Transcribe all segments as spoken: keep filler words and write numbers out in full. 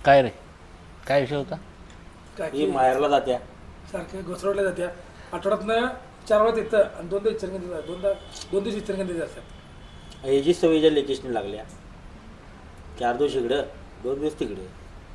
काय रे काय विषय होता? ही माहेरला जात्या सारख्या घसरवल्या जात्या आठवड्यातनं चार वेळा तिथं आणि दोनदा इचलकरंजीत जातात दोनदा दोन दिवस इचलकरंजीत असतात. ह्याची सवयीच्या लेटेस्टने लागल्या चार दिवस इकडं दोन दिवस तिकडे.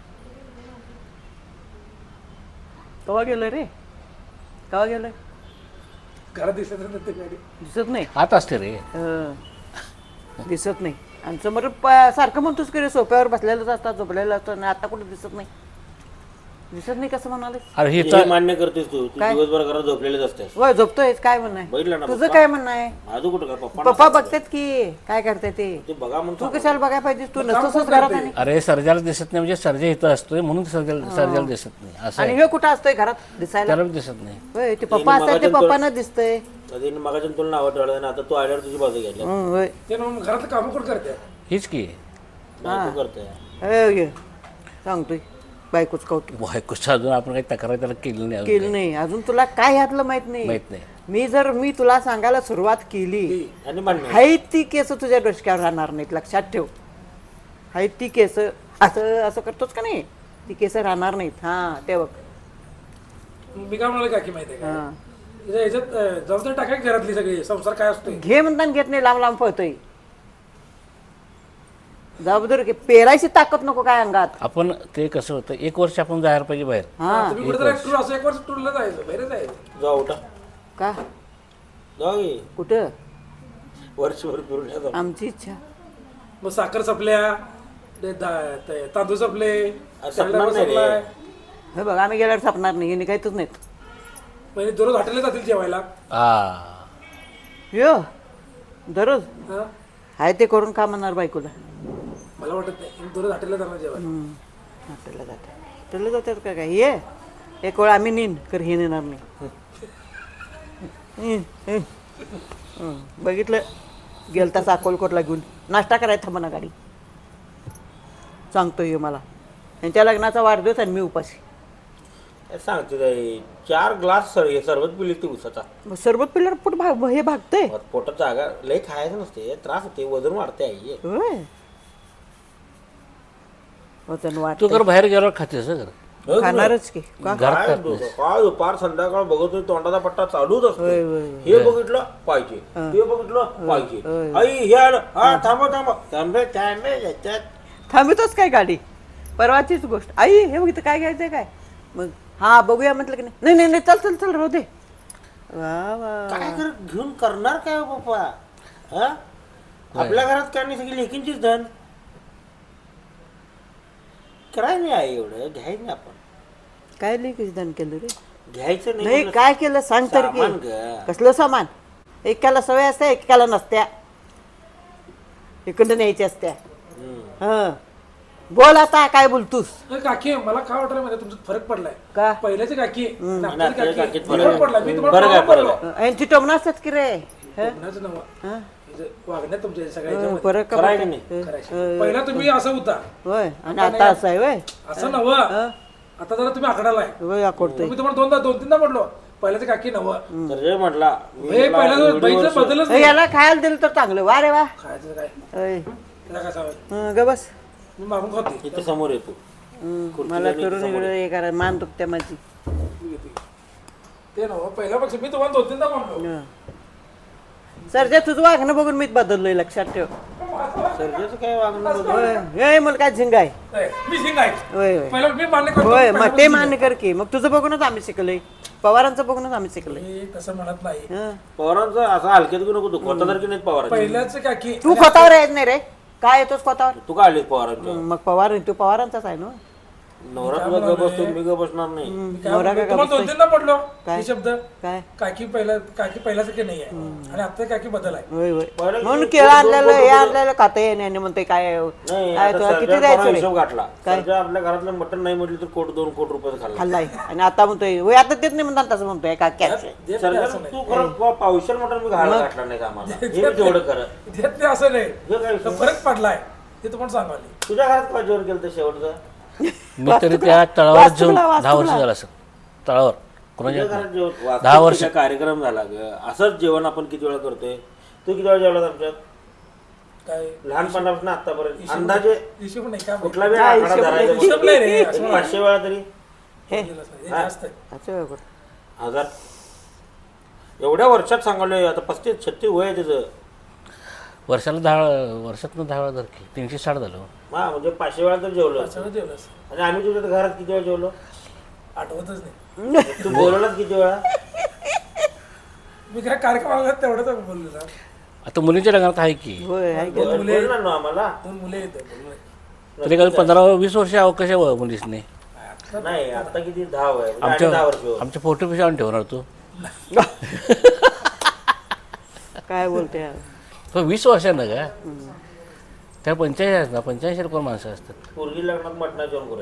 कवा गेलं रे कवा गेलं घरात दिसत नाही ते गाडी दिसत नाही आत असते रे. हं. दिसत नाही आणि समोर प- सारखं म्हणतोस की रे सोप्यावर बसलेलंच असतात झोपलेलं असतं आणि आता कुठं दिसत नाही दिसत नाही कसं म्हणाले अरे हे हे तर मान्य करतेस तू तू काय? दिवसभर घरात झोपलेलेच असतेस. होय झोपतोय काय म्हणणं बघितलं आहे ना तुझं पप्पा? काय म्हणणं आहे माझं कुठं काय पप्पा पप्पा बघतात की काय करते ते ते बघा म्हणून तू सांगा. कशाला बघायला पाहिजे तू मग काम नसतोस कोण घरात करते? आणि अरे सर्जाला दिसत नाही म्हणजे सर्जा इथं असतोय म्हणून सर्जाला सर्जाला दिसत नाही असं आणि आहे. हे कुठं असतोय घरात दिसायला त्याला बी दिसत नाही. होय ते पप्पा असतात ते पप्पांना दिसतंय कधी मगाच्या तुला नावं ठेवलं आता तू आल्यावर तुझी बाजू घ्यायला हं, होय ते ना मग घरातलं कामं कोण करते हीच की बायको करते. होय, होय. सांगतोय बायकोच कौतुक बायकोचं अजून आपण काही तक्रार त्याला केली नाही अजून. केलं नाही अजून तुला काय ह्यातलं माहित नाही माहित नाही. मी जर मी तुला सांगायला सुरुवात केली आणि म्हणणे हाय ती केस तुझ्या डोसक्यावर राहणार नाहीत लक्षात ठेव हाय ती केस असं असं करतोच का नाही ती केस राहणार नाहीत हा ते बघ मी काय म्हणाले काकी माहिती आहे का हा. तिच्या ह्याच्यात अं, जबाबदारी टाकाय घरातली सगळी संसार काय असतोय घे म्हणताना घेत नाही लांब लांब पळतोय जबाबदारी घे. पेरायची ताकद नको काय अंगात आपण ते कसं होतं एक वर्ष आपण जायला पाहिजे बाहेर. हा तुम्ही कुठे टूर असं एक वर्ष टूरला जायचं बाहेर जायचं जाऊ उठा का जाऊ की. कुठं वर्षभर फिरून या जाऊ. आमची इच्छा मग साखर सपल्या ते दा- ते तांदूळ सपले सपणार नाही रे. सपलाय हे बघ आम्ही गेल्यावर सापणार नाही हे निघायचंच नाहीत म्हणजे दररोज हॉटेलला जातील जेवायला हा यो दररोज हा हाय ते करून का म्हणणार बायकोला मला वाटत नाही मी दररोज हॉटेलला जाणार जेवायला हॉटेलला जाते हॉटेलला जातात का काय ये एक वेळ आम्ही नेईन कर हे नेणार नाही हं, हं. हं, बघितलं गेलता अकोलकोटला घेऊन नाश्ता करायला थांबा ना गाडी सांगतो ये मला त्यांच्या लग्नाचा वाढदिवस आणि मी उपाशी काय सांगते ताई, चार ग्लास सर हे सरबत पिली ती उसाचा मग सरबत पिल्यावर पोट भाग हे भागतंय पोटात जागा लय खायचं नसते त्रास होते वजन वाढते आई. होय वजन तू वाटत कर बाहेर गेल्यावर खातेस हं घर. हो, खाणारच की का घरात काय दु- काय दुपार संध्याकाळ बघतोय तोंडाचा पट्टा चालूच असतो. होय, होय, हे बघितलं पाहिजे ते बघितलं पाहिजे आई हे आलं हा थांबा थांबा थांबे थांबे याच्यात थांबतोच काय गाडी परवाचीच गोष्ट आई हे बघ इथं काय घ्यायचंय काय मग हा बघूया म्हटलं की नाही नाही नाही नाही, चल चल चल राहू दे वा वा काय कर घेऊन करणार काय हो बाप्पा हा आपल्या घरात काय नाही सगळी लेकींचीच धन करायचं नाही आई एवढं घ्यायचं नाही आपण काय लिहिकीच दान केलं रे घ्यायचं नाही नाही म्हणलं. काय केलं सांग तर सामान की ग. कसलं सामान एकाला सवय असते एकाला नसत्या इकडं न्यायची असत्या हम्म. हं बोल आता काय बोलतोस नाही, काकी मला काय वाटलं माहिती तुमचा फरक पडलाय का पहिल्याची काकी आणि आणि आत्ताची आत्ताच्या काकी काकीत फरक फरक पडला मी तुम्हाला फरक आहे, परवा फरक बोललो. यांची टोमणं असतात की रे हं? कोणाचं नाव हं? म्हणजे वागण्यात तुमच्या सगळ्या हं, ह्याच्यामध्ये. फरक का करायचं पडतो? नाही. हं, करायचं. पहिला तुम्ही असं होता होय आणि आता असं आहे होय असं नव आता जरा तुम्ही आकडालाय होय आकडतोय तुम्ही तुम्हाला दोनदा दोन तीनदा म्हटलो पहिल्याची काकी नव तर जे म्हटला मी हे म्हटला, पहिला एवढी बाईचं वर्ष- बदलच नाही याला खायला दिलं तर चांगलं वा रे वा खायचं काय होय त्याला काय सांगायचं हं, ग बस मी मागून खाते इथं समोर येतो हं, मला करून इकडे हे करा मान दुखत्या माझी ते नव पहिल्यापेक्षा मी तुम्हाला दोन तीनदा म्हटलो हं. सरजा तुझं वागणं बघून मीच बदललोय लक्षात ठेव सर्जेचं काय वागणं बघ. होय हे मला काय झिंग आहे नाही, मी सिंग आहे होय होय पहिला मी मान्य करतो होय पहिला मग ते मान्य कर की मग तुझं बघूनच आम्ही शिकलोय पवारांचं बघूनच आम्ही शिकलोय मी तसं म्हणत नाही हं. पवारांचं असं हलक्यात घेऊ नको तू स्वतःसारखी नाही पवारांची पहिल्याच काकी तू स्वतःवर येत नाही रे काय येतोस स्वतःवर तू का आलीस पवारांच्या मग पवार तू पवारांचाच आहे ना नवरा तुला ग बसतो मी ग बसणार नाही मी काय नवरा म्हणतो, का तुम्हाला दोन तीनदा म्हटलो काय? हे शब्द काय काकी पहिला काकी पहिल्यासारखे नाही आहे आणि आता काकी बदल आहे होय होय पहिलं म्हणून किती- केळं आणलेलं हे आणलेलं खाता येणे आणि म्हणते काय नाही काय आता तुला किती सर्जा द्यायचं परवा रे हिशोब घातला सर्जा आपल्या घरातलं मटण नाही म्हटलं तर कोट दोन कोट रुपये खाल्ला खाल्लाय आणि आता म्हणतोय होय आता तेच नाही म्हणतात तसं म्हणतोय का कॅच देत नाही सर्जा असं तू खरं पावशेर मटण मी घालायला घातला नाही आम्हाला हे मी तेवढं कर नाही देत नाही असं नाही हे काय तर फरक पडलाय ते तुम्हाला सांगाले तुझ्या घरात काय जोर केलं शेवटचं मी तरी त्या तळावर जाऊन दहा वर्ष झालं असं तळावर कोणाच्या तुझ्या घरात जेवण दहा दहा वर्ष. वर्ष कार्यक्रम झाला ग असंच जेवण आपण किती वेळा करतोय तू किती वेळा जेवला आमच्यात काय लहानपणापासून आतापर्यंत अंदाजे हिशोब नाही काय कुठला वेळ काय आकडा हिशोब धरायचा नाही. हिशोब नाही रे असं एक पाचशे वेळा तरी हे गेलं असं. हे जास्त आहे असं वेळ कुठं. हजार एवढ्या वर्षात सांगलोय आता पस्तीस छत्तीस वय आहे त्याचं वर्षाला दहा वर्षातनं दहा वेळा धर की तीनशे साठ झालं हा म्हणजे पाचशे वेळा तर जेवलो सगळं जेवलं असं आणि आम्ही तुझ्या घरात किती वेळा जेवलो आठवतच नाही तू बोलवलाच किती वेळा मी काय कार्यक्रमाला तेवढंच बोललो ना आता मुलींच्या लग्नात आहे की होय आहे की. बोलणार ना आम्हाला दोन मुले येत बोललो तरी काय पंधरा वीस वर्ष अवकाश आहे मुलीसने नाही आता किती दहा वय म्हणजे आणि आमच्या दहा वर्ष आमच्या फोटो पिशा आणून ठेवणार तू काय बोलते यार. तो वीस वर्षांना का त्या पंच्याऐंशी आहेत ना पंच्याऐंशी कोण माणसं असतात पोरगी लग्नात मटणा जेवण करूया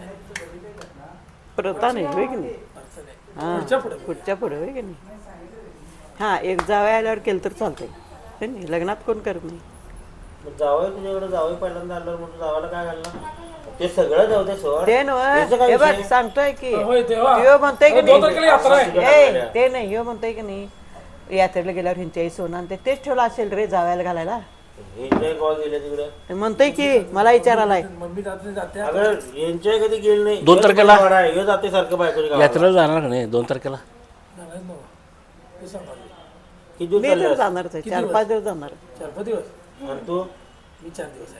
प्रथा नाही होय की नाही हां पुढच्या पुढे पुढच्या पुढे होय की नाही हां एक जावया आल्यावर केलं तर चालतंय होय नाही लग्नात कोण करत नाही मग जावई तुझ्याकडे जावई पहिल्यांदा आल्यावर म्हणून जावायला काय घालणार ते सगळं जाऊ दे सोड ते नव्ह याचं काय हे बघ विषय? सांगतोय की होय तेव्हा ह्यो म्हणतोय की दोन तारखेला यात्रा आहे नाही ए ते नाही ह्यो म्हणतोय की नाही यात्रेला गेल्यावर ह्यांच्या आई सोनं आणि ते तेच ठेवलं असेल रे जावयाला घालायला एन्जॉय कॉल गेले तिकडे म्हणतोय की मला विचारायलाय मम्मी जाते जाते अगं एन्जॉय कधी गेलं नाही दोन तारखेला? हे जाते सारखं बायकोच्या गावाला. यात्रेला जाणार का नाही दोन तारखेला जाणारच नव्हतं. ते सांगाल किती दिवस मी चालले तर असं? जाणारच आहे चार पाच दिवस जाणार चार पाच दिवस आणि तू मी चार दिवस आहे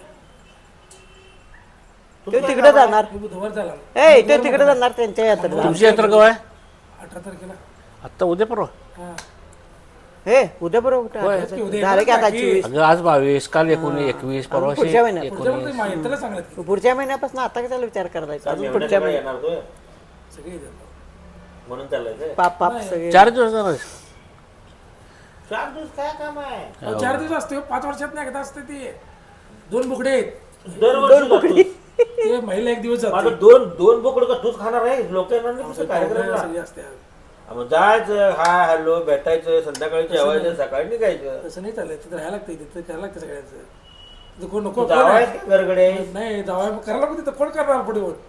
तो तिकडे जाणार मी बुधवार झाला ए ते तिकडे जाणार त्यांच्या यात्रेला तुमची यात्रा केव्हा आहे अठरा तारखेला आत्ता उद्या परवा हा हे उद्या बरोबर कुठं उद्या झालं की आता बाकी. चोवीस अगं आज बावीस काल एकोणीस एकवीस परवा पुढच्या महिन्यात. पुढच्या एकोणीस महिन्यात यात्रेला सांगण्यात की पुढच्या महिन्यापासून आता कशाला विचार करायचा अजून मेवण्यात पुढच्या काय महिन्यात येणार तू सगळे येतात. म्हणून चाललाय पाप पाप सगळे चार दिवस जाणार चार दिवस काय काम आहे अहो, चार दिवस असते पाच वर्षात नाही एकदा असते ते दोन बुकडे आहेत दरवर्षी जातोस. ते महिला एक दिवस जाते आता दोन दोन बोकड का तूच खाणार आहे लोक येणार नाही तुझ्या कार्यक्रमाला सगळी असते मग जायचं हाय हॅलो भेटायचं संध्याकाळी जेवायचं सकाळी निघायचं तसं नाही चालत तिथं राहायला लागतं तिथं करायला लागतं सगळ्यांचं तिथं कोण नको कोण जावाय आहे? घरकडे नाही जावा करायला नको तिथं कोण करणार पुढे होऊन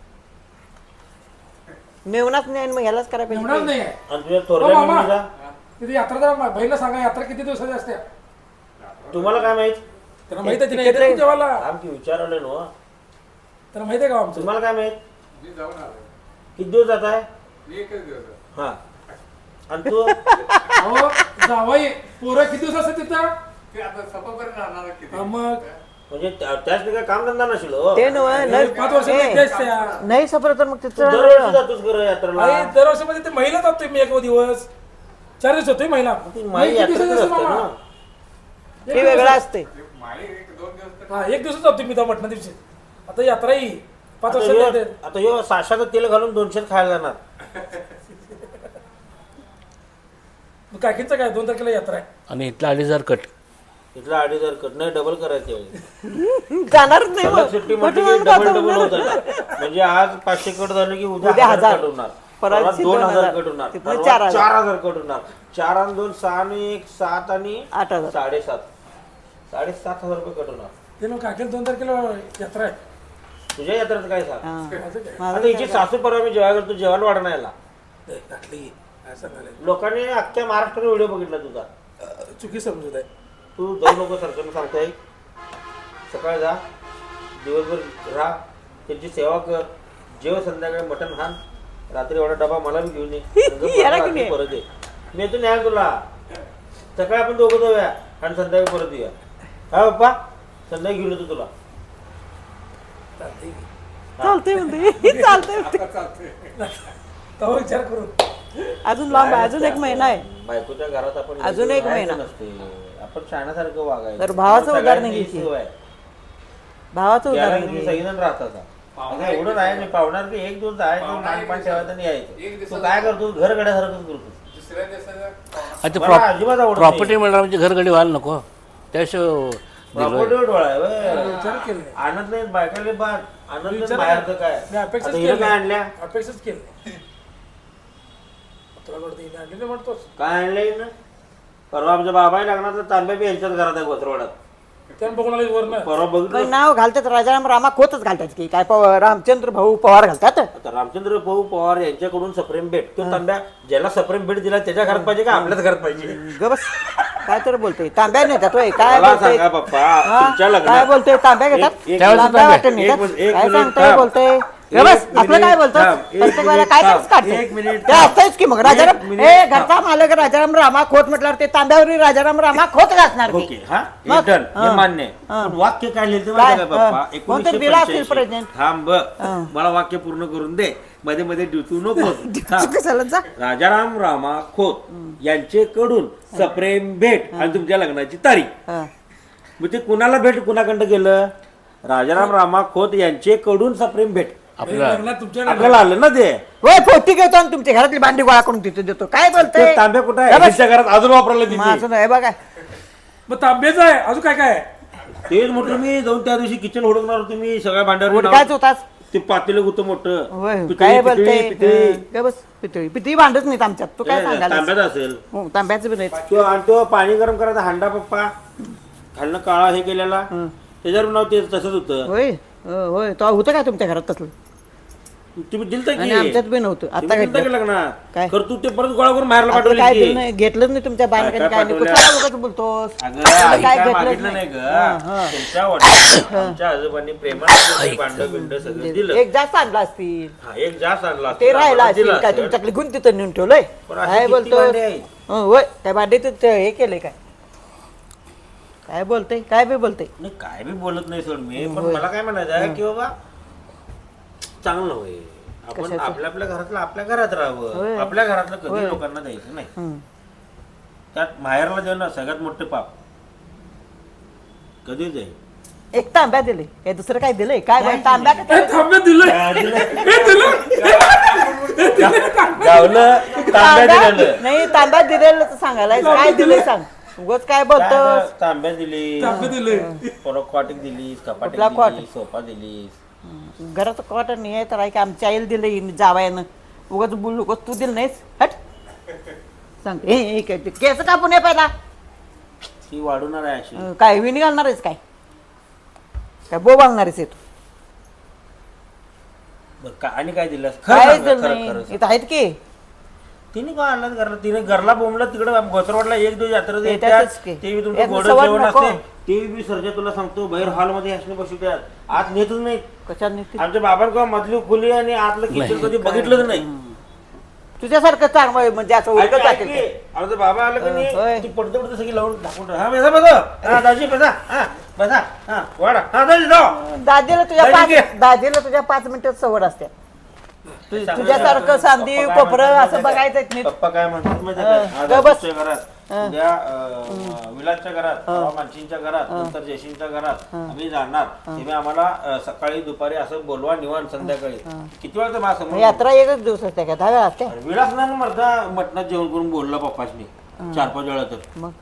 मेवनाच नाही आणि मग ह्यालाच करायला एवढाच पाहिजे नाही आहे आणि तुझ्या हो थोरल्या मामा मुलीला तिथे यात्रा जरा बहिणीला सांगा यात्रा किती दिवसाची असते तुम्हाला काय माहित त्यांना माहित आहे तिने येते जेवायला आमची विचारवले नो त्यांना माहित आहे का आमचं तुम्हाला काय माहित किती दिवस जात आहे हा आणि तू अहो जावाई पोरं किती दिवस असते तिथं हा, मग म्हणजे त्या- त्याच काय काम धंदा नसेल हो. ते नव्ह नाही, पाच वर्षात एकदा असते या. नाही सफर तर मग तू तिथं दरवर्षी जातोस खरं यात्रेला आई दरवर्षी मध्ये ते महिला जातोय मी एक दिवस चार दिवस होतोय महिला ती नाही, माई किती यात्रेतच दिवसाची असते असते मामा? ना. एक ते दिवस वेगळं असते. असते हा एक दिवस जातोय मी त्या मटणा दिवशी आता यात्रा येईल पाच आता वर्षात ह्यो- येते. आता ह्यो साशाचं तेल घालून दोनशेत खायला जाणार मग काकींचं काय दोन तारखेला यात्रा आहे आणि इथला अडीच हजार कट इथला अडीच हजार कट नाही डबल करायचे जाणारच नाही सलग मग. सुट्टी कुठं म्हटली की जाऊन डबल जातो डबल म्हणून. होत म्हणजे आज पाचशे कट झाले की उद्या उद्या हजार हजार. कट होणार परवा परवा दिवशी दोन दोन हजार हजार. कट होणार तिथनं परवा चार हजार. चार हजार कट होणार चार आणि दोन सहा आणि एक सात आणि आठ हजार साडेसात साडेसात हजार रुपये कट होणार ते मग काकीला दोन तारखेला यात्रा आहे तुझ्या यात्रेत काय सांग हा. माझं काय माझं आता हिची सासू परवा मी जेव्हा करतो जेवायला वाढ नाही याला नाही, टाकली काय सांगायला लोकांनी अख्ख्या महाराष्ट्राने व्हिडिओ बघितला तुझा अं, चुकी समजत आहे तू जाऊ नको सरकारनं सांगताय सकाळ जा दिवसभर राहा त्यांची सेवा कर जेव संध्याकाळी मटण खान रात्री एवढा डबा मला बी घेऊन ये नंतर याला परत घेऊन ये. परत ये मी येतो न्याय तुला सकाळी आपण दोघं जाऊया आणि संध्याकाळी परत येऊया हा बाप्पा संध्याकाळी घेऊन येतो तुला चालतंय की. चालतंय म्हणते चालतंय म्हणते तेव्हा विचार करून अजून लांब आहे अजून एक महिना आहे बायकोच्या घरात आपण अजून एक राहायचं महिना. नसते आपण शाण्यासारखं वागायचं तर भावाचं सगळ्यांची उदाहरण ही घ्यायची. सवय आहे. भावाचं त्याला उदाहरण तुम्ही घे. सगळेजण राहतात आता एवढं नाही नाही पाहुणार की एक दिवस जायचं मानपान ठेवायचं आणि यायचं तू काय करतो घर गड्यासारखंच करतो आणि मला अजिबात आवडत नाही. प्रॉपर्टी मिळणार म्हणजे घरगडी व्हायला नको त्याशिवाय प्रॉपर्टीवर डोळा आहे व्हय. विचार केला नाही. आणत नाही बायकाले बाद आणत नाही विचार बाहेरचं काय मी अपेक्षाच आता हिनं केली काय आणल्या अपेक्षाच केली नाही. तुला वाटतं हिने आणली नाही म्हणतोस काय आणलंय हिनं? परवा आमच्या बाबाही लागणार तांब्या बी यांच्याच घरात आहे गोत्रवाडात त्यानं बघून आलं वरनं परवा बघितलं पण नाव घालतात राजाराम रामा खोतच घालतात की काय पवार रामचंद्र भाऊ पवार घालतात आता रामचंद्र भाऊ पवार यांच्याकडून सप्रेम भेट तो तांब्या ज्याला सप्रेम भेट दिला त्याच्या घरात पाहिजे का आपल्याच घरात पाहिजे ग बस काय तर बोलतोय तांब्या नेतात होय काय मला बोलतोय सांगा पप्पा हा? तुमच्या काय लग्नात बोलतोय तांब्या घेतात एक- एक त्यावेळेस तांब्या तांब्या. वाटून एक नेतात मिनिट, एक काय मिनिट, सांगतोय थांब. बोलतोय एक बस आपलं मिनिट, काय बोलतोस थांब. एक प्रत्येक वेळेला मिनिट, काय थांब. तरीच काढतोय एक मिनिट, ते थांब. असतंच की मग एक राजाराम मिनिट, ए थांब. घरचा मालक राजाराम रामा खोत म्हटल्यावर ते तांब्यावरील राजाराम रामा खोत घासणार की. ओके हा मग? हे डन हे हा. मान्य आहे. हा. पण वाक्य काय लिहिलं ते काय? माहिती का हा. पप्पा कोणतं एकोणीसशे दिलं असेल पंच्याऐंशी. प्रेझेंट? थांब हा. मला वाक्य पूर्ण करून दे मध्ये मध्ये ड्युटू नको कशाला जा राजाराम रामा खोत यांचे कडून सप्रेम भेट आणि तुमच्या लग्नाची तारीख हा. मग ते कुणाला भेट कुणाकडं गेलं राजाराम रामा खोत यांचे कडून सप्रेम भेट आपल्याला लग्नात तुमच्या आपल्याला आलं ना ते होय पोटी घेतो आणि तुमच्या घरातली भांडी गोळा करून तिथे देतो काय बोलतोय ते तांब्या कुठं आहे बस. ह्याच्या घरात अजून वापरायला दिली माझं नाही बघा मग तांब्याचं आहे अजून काय काय आहे? तेच म्हटलं मी जाऊन त्या दिवशी किचन हुडकणार होतो मी सगळ्या भांड्यावर उडकायच होताच ते पातेलं होतं मोठं होय पितळी, काय पितळी, बोलतोय पितळी. हं, काय बस पितळी पितळी भांडच नाहीत आमच्यात तू काय ए, सांगायला तांब्यात असेल हो तांब्याचं बी नाही तो आणि तो पाणी गरम करायचा हांडा पप्पा खालनं काळा हे केलेला त्याच्यावर नाव ते तसंच होतं होय हो, होय तो होतं काय तुमच्या घरात तसलं तुम्ही दिलतं आणि की आमच्यात बी नव्हतं आता तुम्ही दिलतं की घेतलं लग्नात काय? खरं तू ते परत गोळा करून बाहेरला आता पाठवली काय की. दिलं नाही घेतलंच नाही तुमच्या काय- बायकाने काय काय नाही पाठवलं? कुठला उगाच बोलतोस अगं काय आई काय घेतलंच मागितलं नाही नाही. ग हं, हं. तुमच्या वडिलांनी आमच्या आजोबांनी प्रेमाने भांड बिंड सगळं दिलं एक जास्त आणला असतील हा एक जास्त आणला ते राहिला आम्हाला असेल दिलं काय असेल. तुमच्याकडे गुण तिथं नेऊन ठेवलंय पण अशी काय किती बोलतो भांडी आहेत? होय त्या भांडीत ते हे केलंय काय काय बोलतय काय बी बोलतय नाही काय बी बोलत नाही सोड मी पण होय. मला काय म्हणायचं आहे की बाबा चांगलं होय आपण कशाचं? आपल्या आपल्या घरातलं आपल्या घरात होय. राहावं आपल्या घरातलं कधी होय. लोकांना द्यायचं नाही हं. त्यात माहेरला देणं सगळ्यात मोठे पाप कधी जाईल एक तांब्या दिले हे दुसरं काय दिलंय काय बाई, तांब्या का ए, तांब्या दिलं हे दिलं गावलं तांब्या तांब्या दिलेलं नाही तांब्या दिलेलं तर सांगायला काय दिलंय सांग उगाच काय बोलतोस तांब्या दिली तांब्या दिले परत कॉटिक दिलीस कपाटिक कुठला कॉट? दिली सोफा दिलीस घराचं कॉटन नाही आहे तर आहे की आमच्या आईला दिलं जावायनं उगाच बोलू उगाच तू दिलं नाहीस हट सांग हे हे काय ते केस कापून ये पहिला ती वाढवणार आहे अशी अं, काय विणी घालणार आहेस काय काय बो घालणार आहेस तू बरं, का- आणि काय दिलं खरं काय सांग, दिलं खरं नाही खरं सांग. इथं आहेत की तिने काय आणलं घरला तिने घरला बोंबलं तिकडे घोसरवाडला एक दिवस यात्रा ते देतात त्यातच की. ते बी तुमचं एक गोड सवड जेवण नको. असते ते बी सर्जा तुला सांगतो बाहेर हॉलमध्ये असणे बसवतात आत नेतच नाही कशात नाही आमच्या बाबांना मधली खुली आणि आतलं किचन कधी बघितलंच नाही तुझ्यासारखं चांगलं म्हणजे असं ऐक- उलटं ऐक टाकेल की, आमचा बाबा आलं की होय. नाही ती पडते पडते सगळी लावून दाखवून ठेव. हा बसा बसा हा दाजी बसा हा बसा हा वाडा हा दाजी जाऊ दादीला तुझ्या दादी पाच दादीला तुझ्या पाच मिनिटात सवड असते तु- तुझ्यासारखं सांदी पप्पा काय कोपरं म्हणतात असं माहिती बघायचं आहे? नाही पप्पा काय म्हणतात माहिती हं, आहे का? आज ग बस. आजूच्या घरात उद्या अं, विलासच्या घरात परवा मानसींच्या घरात नंतर जयसिंगच्या घरात आम्ही जाणार तुम्ही आम्हाला अं, सकाळी दुपारी असं बोलवा निवांत संध्याकाळी किती वेळा माझ्या समोर यात्रा एकच दिवस असते का दहा वेळा असते अरे विलास ना मरता मटणात जेवण करून बोलला पप्पाशनी चार पाच वेळा तर मग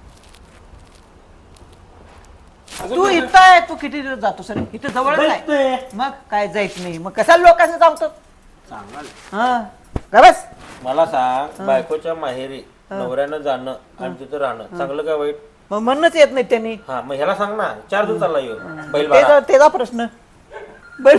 तू इथं आहे तू किती दिवस जातो सर इथं जवळच आहे जायचंय. मग काय जायच नाही मग कशाला लोकांना सांगतो सांगाल हा का बस मला सांग बायकोच्या माहेरी नवऱ्यानं जाणं आणि तिथं राहणं चांगलं का वाईट मग म्हणणंच येत नाही त्यांनी हा मग ह्याला सांग ना चार दिवस चालला येऊ बैल त्याचा बारा त्याचा प्रश्न बर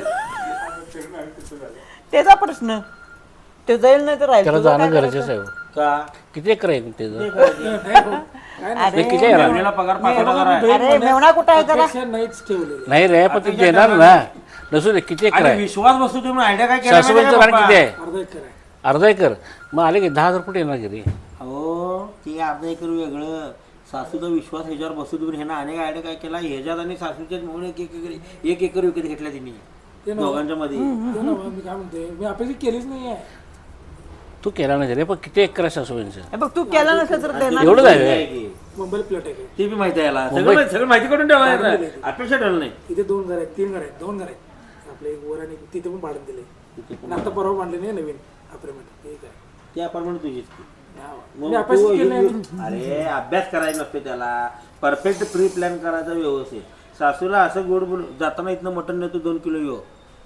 त्याचा प्रश्न ते जाईल नाही तर राहील त्याला तुझं जाणं काय गरजेचं आहे हो. का किती एकर आहे त्याचं ते करायचे. अरे ते किती आहे मेवणीला पगार पाच हजार आहे अरे मेवणा कुठं आहे जरा अपेक्षा नाहीच ठेवलेलं नाही रे पण ते देणार ना नसू दे किती एकर आणि आहे विश्वास बसतो तुम्ही आयडिया काय केला सासूबाईंचं माहिती रान आहे किती आहे अर्धा एकर आहे अर्धा एकर मग आले की दहा हजार फूट येणार घरी का? हो ते अर्धा एकर वेगळं सासूचा विश्वास ह्याच्यावर बसतो तुम्ही ह्यानं अनेक आयडिया काय केला ह्याच्यात आणि सासूच्यात म्हणून एक एक एकर एक एकर विकत घेतल्या ते तिने ना. दोघांच्या मध्ये ते ना, मी काय म्हणते मी अपेक्षा केलीच नाही आहे तू केला नाही रे पण किती एकर आहे सासूबाईंचं हे बघ तू केला नसेल तर देणार एवढंच आहे आहे रे. की. मुंबईला प्लेट आहे ते बी माहिती आहे याला मुंबई- सगळं सगळं माहिती करून ठेवायला अपेक्षा ठेवलं नाही इथे दोन घर आहेत तीन घर आहेत दोन घर आहेत आपले एक वर आणि तिथे पण भाडं दिले आणि आता परवा बांधले नाही नवीन अपार्टमेंट ठीक आहे ते अपार्टमेंट तुझीच की. मी मग अपेक्षा तू- केली नाही अरे अभ्यास करायचा नसतो त्याला परफेक्ट प्री प्लॅन करायचा व्यवस्थित सासूला असं गोड बोल जाताना इथनं मटण नेतो दोन किलो येऊ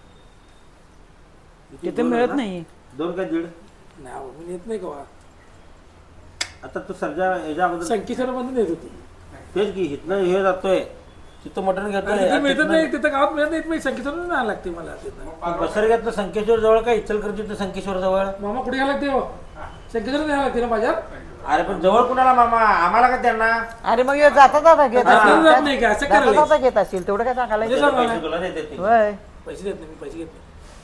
तिथे मिळत नाही दोन का दीड नाही अहो, मी येत नाही का आता तू सध्या ह्याच्या अगोदर संकेश्वर मधून येत होती तेच की इथनं हे जातोय तिथं मटण घेतोय तिथे मिळत नाही तिथं गावात मिळत नाही मी संकेश्वर नाही लागते मला तिथं बसरग्यातलं संकेश्वर जवळ का इचलकरंजीतलं संकेश्वर जवळ मामा कुठे घ्यायला लागते हो शंकरला द्यायला लागते ना बाजार अरे पण जवळ कुणाला मामा आम्हाला का त्यांना अरे मग ह्यो जाता जाता घेत आता असेल जात नाही का? असं जाता करायला. जाता घेत असेल तेवढं काय सांगायला हे सांगा पैसे ना. तुला देते ते. होय पैसे देत नाही मी पैसे घेत नाही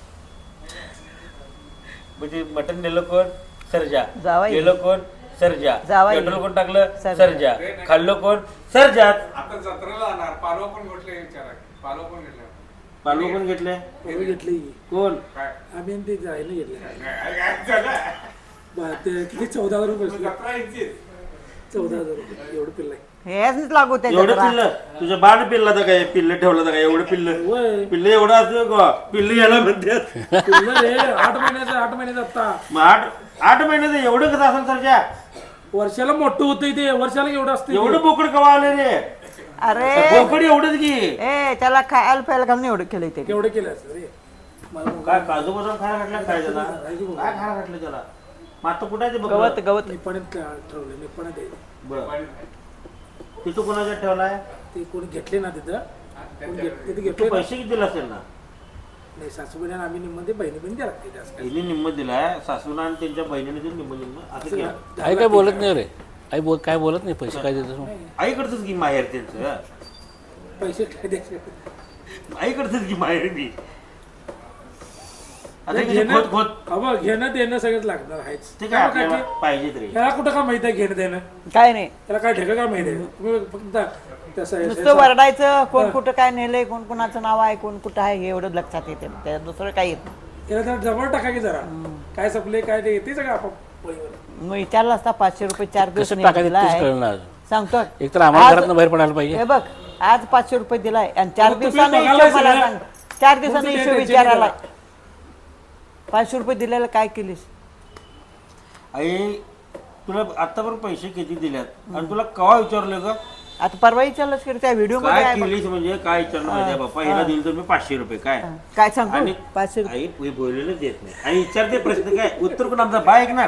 म्हणजे मटन नेलं कोण सर्जा जावई. केलं कोण सर्जा जावई. पेट्रोल कोण टाकलं सर्जा. सर्जा खाल्लं कोण सर्जात आता जत्रेला जाणार पालव पण घेतले विचारा पालव पण घेतले पालू कोण घेतले पैसे घेतले कोण काय आम्ही आणि ते जायला घेतले काय काय झालं बा- ते किती चौदा हजार रुपये बसले. जत्रा यांचीच. चौदा हजार रुपये एवढं पिल्लाय हेच लागू त्याच्या एवढं जरा. पिल्लं तुझं बाण पिल्ला तर काय पिल्लं ठेवलं तर काय एवढं पिल्लं वय पिल्लं एवढं असतं का पिल्लं याला म्हणतात पिल्लं रे आठ महिन्याचं आठ महिन्याचं आता मग आठ आठ महिन्याचं एवढं कसं असेल सर्जा वर्षाला मोठं होतं ते वर्षाला एवढं असतं एवढं बोकड कवा आले रे अरे बोकड एवढंच की ए त्याला खायला प्यायला घालून एवढं केलंय ते केवढं केलं असतं रे मला काय काजू बदाम खायला घातलं काय त्याला काय खायला घातलं त्याला मग आता कुठं आहे ते गवत बकरं? गवत निपाण्यात ठरवलं निपाण्यात द्यायचं बरं तिथं कोणाच्या ठेवलाय ते कोणी घेतले ना तिथं कोणी घेत- तिथे तू घेतले ना. पैसे किती दिला असेल ना नाही सासूबाई आणि आम्ही निमध्ये बहिणी बहिणी द्या लागते जास्त काय. हिने निम्म दिलाय सासूना आणि त्यांच्या बहिणीने दिलं निम्म निम्म असं घ्या आई काय बोलत नाही रे आई बोल काय बोलत नाही पैसे काय देतो आईकडचंच की माहेर त्यांचं पैसे काय द्यायचे आईकडचंच की माहेर मी आता नाही, किती घेणं खोत खोत अबा घेणं देणं सगळंच लागणार आहेच ते काय काय आपल्याला काय पाहिजे तरी त्याला कुठं काय माहित आहे घेणं देणं काय नाही त्याला काय ढेकं काय माहित आहे तुम्ही फक्त तसं आहे. नुसतं वरडायचं कोण कुठं काय नेलंय कोण कुणाचं नाव आहे कोण कुठं आहे हे एवढं लक्षात येते त्यात दुसरं काही येत नाही. त्याला जरा जवळ टाका की जरा काय सपले काय ते येते सगळं आपण पळीवर मग विचारलं असता पाचशे रुपये चार दिवस कसं टाकायचं तेच कळलं ना अजून. सांगतो एक तर आम्हाला आज- घरातनं बाहेर पडायला पाहिजे हे बघ आज पाचशे रुपये दिलाय आणि चार मग तुम्ही दिवसानं बघायला हिशोब मला सगळं. सांग चार दिवसानं मग हिशोब तुम्ही विचारायला टेन्शन पाचशे रुपये दिलेलं काय केलीस आई तुला आतापर्यंत पैसे किती दिल्यात आणि तुला कवा विचारलं का आता परवा विचारलंस की त्या व्हिडिओ मध्ये काय आहे बघ. केलीस म्हणजे काय विचारलं माहिती आहे बाप्पा हिला दिलं तर मी पाचशे रुपये काय काय सांगतो आणि पाचशे रुपये आई हे बोललेलं देत नाही आणि विचारते प्रश्न काय उत्तर कोण आमचा बाय ऐकणार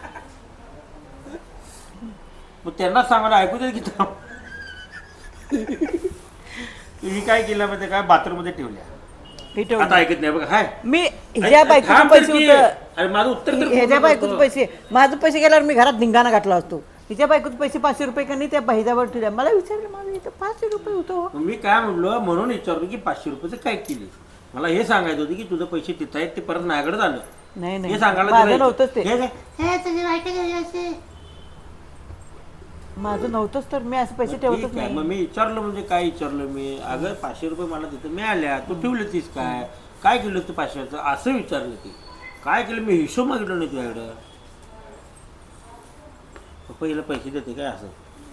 मग त्यांना सांगायला ऐकू दे की थांब. तुम्ही काय केलं माहिती काय बाथरूम मध्ये ठेवल्या हे ठेव. आता ऐकत नाही बघा हाय मी ह्याच्या बायकोचे थांब तर पैसे की. होतं अरे माझं उत्तर तर ह्याच्या पूर्ण बायकोचे होतं. पैसे माझं पैसे गेल्यावर मी घरात धिंगाणा घातला असतो तिच्या बायकोचे पैसे पाचशे रुपये का नाही त्या बहिजावर ठेवल्या मला विचारलं माझं इथं पाचशे रुपये होतो मग मी काय म्हणलो म्हणून विचारलो की पाचशे रुपयाचं काय केली मला हे सांगायचं होतं की तुझं पैसे तिथं आहेत ते परत माझ्याकडे झालं नाही हे नाही सांगायला माझं दिलं. नव्हतंच ते हे काय? माझं नव्हतंच तर मी असे पैसे ठीक ठेवतच आहे, मग नाही मी विचारलं म्हणजे काय विचारलं मी अगं पाचशे रुपये मला तिथं मिळाल्या तू ठेवलं तीस काय काय केलं तू पाचशेचं असं विचारलं ती काय केलं मी हिशोब मागितला नाही तुझ्याकडं मग पहिलं पैसे देते काय असं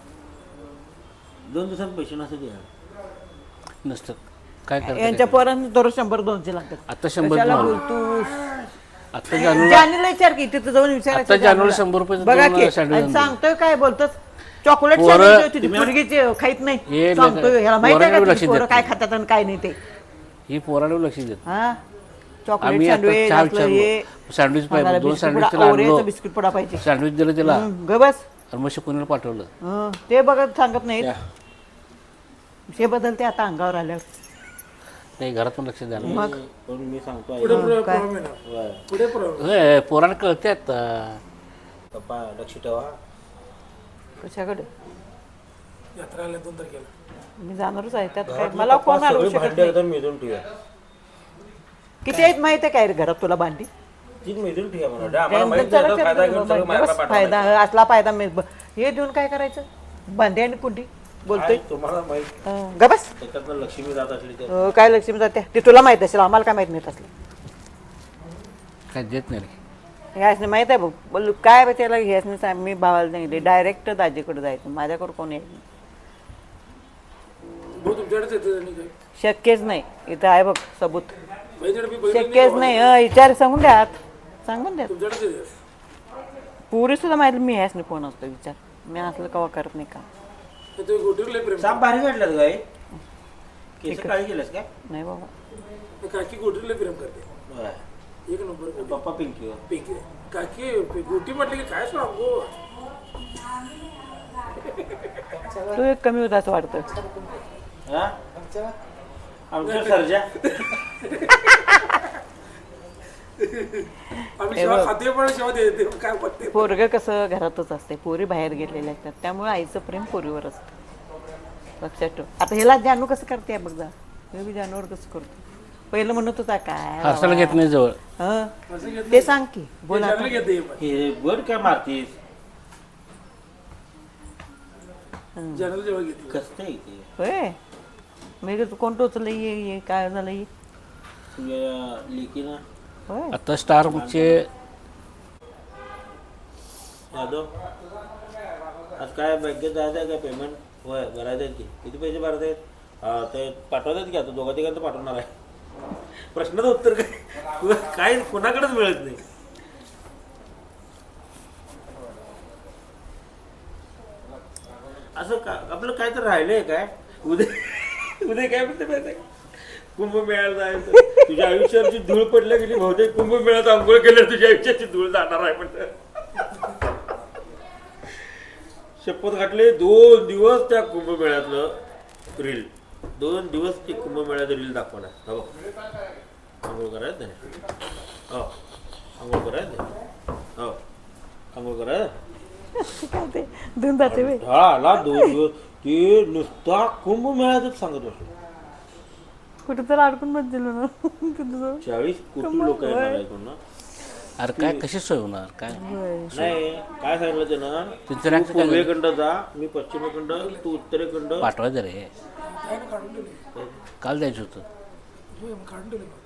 दोन दिवसात पैसे नसते तुझ्याकडे नसतं काय यांच्या करतात पोरांना दररोज शंभर दोनशे लागतात आता शंभर कशाला दोन. बोलतोस आता जानूला जानीला विचार की तिथं जाऊन विचारायचं आता जानूला जानूला. शंभर रुपयाचं बघा दोन की सँडविच आणि आणले. सांगतोय काय बोलतोस चॉकलेट पोरं- सँडविच होती ती मुलगीची खाईत नाही हे सांगतोय ह्याला माहिती आहे पोरांकडे का लक्ष ती देत पोरं काय नाही. खातात आणि काय नाही ते ही पोराला लक्ष देत हा चॉकलेट आम्ही आता सँडविच चहा असलं हे विचारलो सँडविच मला पाहिजे दोन बिस्किट सँडविच पुडा- त्याला ओरिओचं आणलो बिस्किट पुडा पाहिजे सँडविच दिलं त्याला हं, ग बस आणि मग पुण्याला पाठवलं हं, ते बघत सांगत नाहीत त्या- हे बदलते आता अंगावर आल्यावर नाही घरात पण लक्ष द्यायला मग पण मी सांगतो पुढे पुढे काय? प्रॉब्लेम येणार पुढे प्रॉब्लेम होय, पोरांना कळते आता पप्पा लक्ष ठेवा कशाकडे यात्रा आल्या दोन तारखेला मी जाणारच आहे त्यात काय घरातले मला पप्पा कोण अडवू सगळे शकत भांडे नाही एकदम मिळून ठेवा किती आहेत माहिती आहे काय रे घरात तुला भांडी तीच मिळून ठेवा म्हणा काय आम्हाला माहिती चला आहे, चला फायदा घेऊन चला सगळं मारायला बस, पाठवा फायदा असला फायदा मिळ ब- हे देऊन काय करायचं भांडी आणि कुंडी बोलतोय तुम्हाला माहित हं, ग बस त्याच्यातनं लक्ष्मी जात असली तर अं, काय लक्ष्मी जाते ते तुला माहित असेल आम्हाला काय माहित नाही असलं काय देत नाही रे. ह्यासने माहित आहे बघ बोल काय बा त्याला ह्यासने सांग मी भावाला सांगितले डायरेक्ट दाजीकडे जायचं माझ्याकडे कोण येत नाही भाऊ तुमच्याकडेच येते आणि काय शक्यच नाही इथं आहे बघ सबूत बहिणीकडे मी बहिणी शक्यच नाही हं, विचार सांगून द्या सांगून द्या तुमच्याकडेच येते पुरी सुद्धा माहिती मी ह्यासने फोन असतो विचार मी असलं कवा करत नाही का तर तुम्ही गोटीवर लय प्रेम साप भारी काढलात गाय केस काळी केलंस काय नाही बाबा ते काकी गोटीवर लय प्रेम करते होय. एक नंबर गोटी. पप्पा पिंकी हो. पिंकी काकी गोटी म्हटली की काय सांगू तू एक कमी होता असं वाटतं हा? आमच्या सर्जा आम्ही शेवा खाते पण शेवा देते काय बघते पोरगं कसं घरातच असते पोरी बाहेर गेलेल्या असतात त्यामुळे आईचं प्रेम पोरीवर असतं लक्षात ठेव आता ह्याला जानू कसं करते बघ जा हे बी जानूवर कसं करतो पहिलं म्हणत होता काय हसायला घेत नाही जवळ हं, ते सांग की बोल आता. चांगलं घेते पण हे वर काय मारतीस जनरल जेव्हा घेते कसं आहे ते होय मी तू कोण टोचलं ये ये काय झालं ये तुझ्या लेकीनं होय आता स्टारचे यादव आज काय बँकेत जायचं आहे का पेमेंट होय भरायचं आहे की किती पैसे भरायचे आहेत हा, ते पाठवतात की आता दोघा तिघांचं पाठवणार आहे प्रश्नाचं उत्तर काय काय कोणाकडेच मिळत नाही असं का आपलं काय तर राहिलंय काय उद्या उद्या काय म्हणते माहिती आहे? कुंभमेळ्याला जायचं तुझ्या आयुष्याची धूळ पडल्या गेली बहुतेक कुंभमेळ्यात आंघोळ केल्यावर तुझ्या आयुष्याची धूळ जाणार आहे म्हणतं शपथ घातले दोन दिवस त्या कुंभमेळ्यातलं रील दोन दिवस ते कुंभमेळ्याचं रील दाखवणार हो आंघोळ करायचं नाही हो आंघोळ करायचं नाही हो आंघोळ करायचं काय ते धुवून जाते वे हा आला दोन दिवस ते नुसता कुंभमेळ्यातच सांगत बसलो कुठं तर अडकून बस दिलं ना तुझं चाळीस कोटी लोक येणार आहेत ना अरे काय कशी सोय होणार काय नाही काय सांगितलं त्यानं तिथं तू राहायचं काय पूर्वेकडं जा मी पश्चिमेकडं तू उत्तरेकडं पाठवायचं रे काय ना काढून दिले काल द्यायचं होतं होय, मग काढून दिले